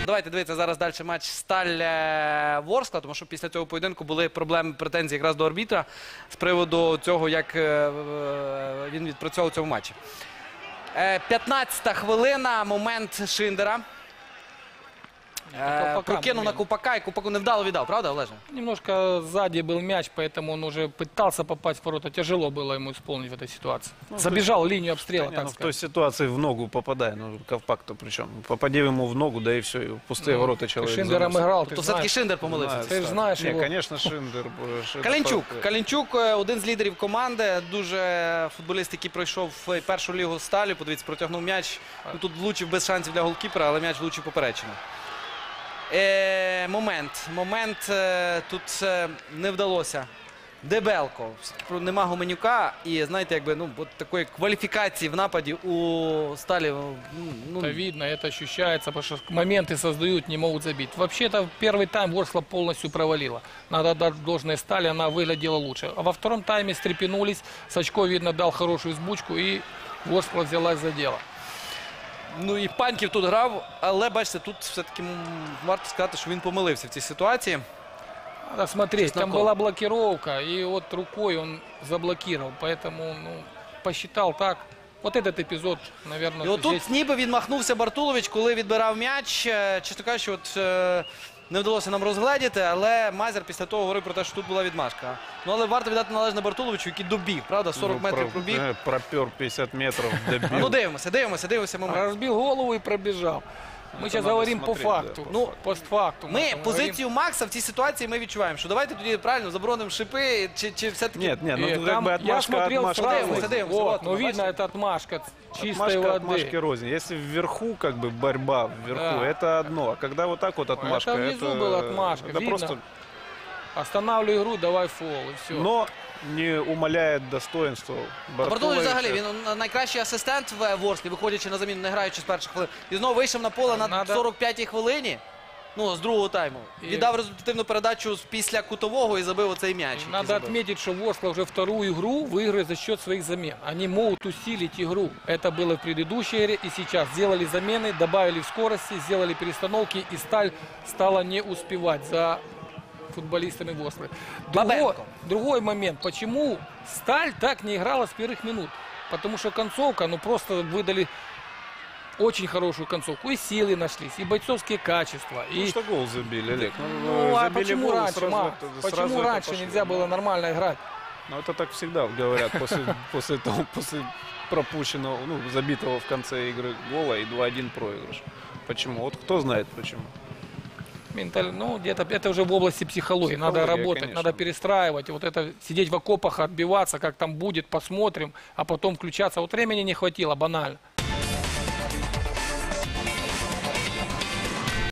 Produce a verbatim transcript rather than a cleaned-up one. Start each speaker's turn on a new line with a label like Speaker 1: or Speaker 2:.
Speaker 1: Давайте дивитися зараз далі матч Сталь-Ворскла, тому що після цього поєдинку були проблеми, претензії якраз до арбітра з приводу цього, як він відпрацьовував у цьому матчі. п'ятнадцята хвилина, момент Шиндера. Прокинув на Купака, и Купаку невдало віддав, правда, Олеже?
Speaker 2: Немножко сзади был мяч, поэтому он уже пытался попасть в ворота. Тяжело было ему исполнить в этой ситуации. Ну, Забежал в линию обстрела,
Speaker 3: не,
Speaker 2: так
Speaker 3: ну, в
Speaker 2: сказать.
Speaker 3: той ситуации в ногу попадая, ну, Ковпак-то причем. Попади ему в ногу, да и все, и в пустые
Speaker 2: Ну,
Speaker 3: ворота человек
Speaker 2: Ты Шиндером
Speaker 3: заносит.
Speaker 2: играл,
Speaker 1: То
Speaker 2: ты
Speaker 1: все-таки
Speaker 2: знаешь.
Speaker 1: Шиндер помилився.
Speaker 3: Знаю,
Speaker 2: Ти ж
Speaker 3: так.
Speaker 2: знаєш
Speaker 3: Ні,
Speaker 2: його.
Speaker 3: конечно, Шиндер. Шиндер
Speaker 1: Калінчук.
Speaker 3: просто-
Speaker 1: Калінчук – один з лідерів команди, дуже футболіст, який пройшов в першу лігу Сталі. Подивіться, протягнув м'яч. Ну, тут влучив без шансів для голкіпера, але м'яч влучив поперечину. Е, момент. Момент е, тут е, не вдалося. Дебелко. Нема Гуменюка. І, знаєте, якби, ну, от такої кваліфікації в нападі у Сталі. Ну,
Speaker 2: Это видно, это ощущается, потому что моменты создают, не могут забить. Вообще-то первый тайм Ворскла полностью провалила. Надо отдать должное Стали, она выглядела лучше. А во втором тайме стрепенулись, Сачко, видно, дал хорошую сбучку, и Ворскла взялась за дело.
Speaker 1: Ну і Паньків тут грав, але, бачите, тут все-таки варто сказати, що він помилився в цій ситуації.
Speaker 2: Надо смотреть, там
Speaker 1: Чесноков.
Speaker 2: была блокировка, и вот рукой он заблокировал, поэтому, ну, посчитал так. Вот этот эпизод, наверное,
Speaker 1: І отут
Speaker 2: здесь...
Speaker 1: ніби відмахнувся Бартулович, коли відбирав м'яч. Е, Чесно кажучи, от, е, не вдалося нам розгледіти, але Мазер після того говорив про те, що тут була відмашка. Ну, але варто віддати належне Бартуловичу, який добіг, правда, сорок
Speaker 3: Ну,
Speaker 1: метрів
Speaker 3: про-
Speaker 1: пробіг.
Speaker 3: э, Пропер пятьдесят метров, добил.
Speaker 1: Ну, дивимося, дивимося, дивимося момент.
Speaker 2: Разбил голову и пробежал. Мы
Speaker 3: Это
Speaker 2: сейчас
Speaker 3: надо
Speaker 2: говорим по
Speaker 3: смотреть, да,
Speaker 2: факту,
Speaker 3: по
Speaker 2: ну, постфактум.
Speaker 1: Ми
Speaker 2: это мы
Speaker 1: позицію Макса в цій ситуації ми відчуваємо, що давайте тоді правильно заборонимо шипи, чи, чи все-таки...
Speaker 3: Нет, нет, ну
Speaker 2: говорим.
Speaker 3: как
Speaker 2: Э, там
Speaker 3: бы
Speaker 2: я
Speaker 3: отмашка,
Speaker 2: смотрел
Speaker 3: отмашка.
Speaker 2: сразу,
Speaker 1: Садимся, садимся,
Speaker 2: вот,
Speaker 1: вот,
Speaker 2: ну,
Speaker 1: бачите?
Speaker 2: видно, это отмашка чистой
Speaker 3: Отмашка,
Speaker 2: воды.
Speaker 3: отмашки рознь. Если вверху, как бы, борьба вверху,
Speaker 2: Да.
Speaker 3: это одно. А когда вот так вот отмашка,
Speaker 2: Это внизу была отмашка,
Speaker 3: это
Speaker 2: видно.
Speaker 3: просто...
Speaker 2: Останавливай игру, давай фол, и все.
Speaker 3: Но не умаляет достоинство
Speaker 1: Бартулович
Speaker 3: Бартуловича.
Speaker 1: взагалі, він найкращий асистент в Ворсклі, виходячи на заміну, не граючи з перших хвилин. І знову вийшов на поле на
Speaker 2: Надо-
Speaker 1: сорок п'ятій хвилині, ну, з другого тайму.
Speaker 2: І-
Speaker 1: Віддав результативну передачу з- після кутового і забив оцей м'яч. який
Speaker 2: Надо
Speaker 1: забив.
Speaker 2: отметить, что Ворскла уже вторую игру выигрывает за счет своих замен. Они могут усилить игру. Это было в предыдущей игре и сейчас. Сделали замены, добавили в скорости, сделали перестановки, и Сталь стала не успевать за футболистами Ворсклы. Другой,
Speaker 1: Бабенко.
Speaker 2: другой момент. Почему Сталь так не играла с первых минут? Потому что концовка, ну просто выдали очень хорошую концовку. И силы нашлись, и бойцовские качества.
Speaker 3: Ну
Speaker 2: И...
Speaker 3: что гол забили, Олег?
Speaker 2: Ну, а
Speaker 3: забили
Speaker 2: почему
Speaker 3: гол,
Speaker 2: раньше,
Speaker 3: сразу
Speaker 2: Ма?
Speaker 3: это-
Speaker 2: Почему
Speaker 3: сразу это
Speaker 2: раньше
Speaker 3: пошло.
Speaker 2: нельзя было нормально играть?
Speaker 3: Ну это так всегда говорят после, после того, после пропущенного, ну, забитого в конце игры гола и два-один проигрыш. Почему? Вот кто знает почему.
Speaker 2: Менталь... Ну, где-то это уже в области психологии. Надо
Speaker 3: Психология,
Speaker 2: работать,
Speaker 3: конечно.
Speaker 2: надо перестраивать. Вот это сидеть в окопах, отбиваться, как там будет, посмотрим, а потом включаться. Вот времени не хватило, банально.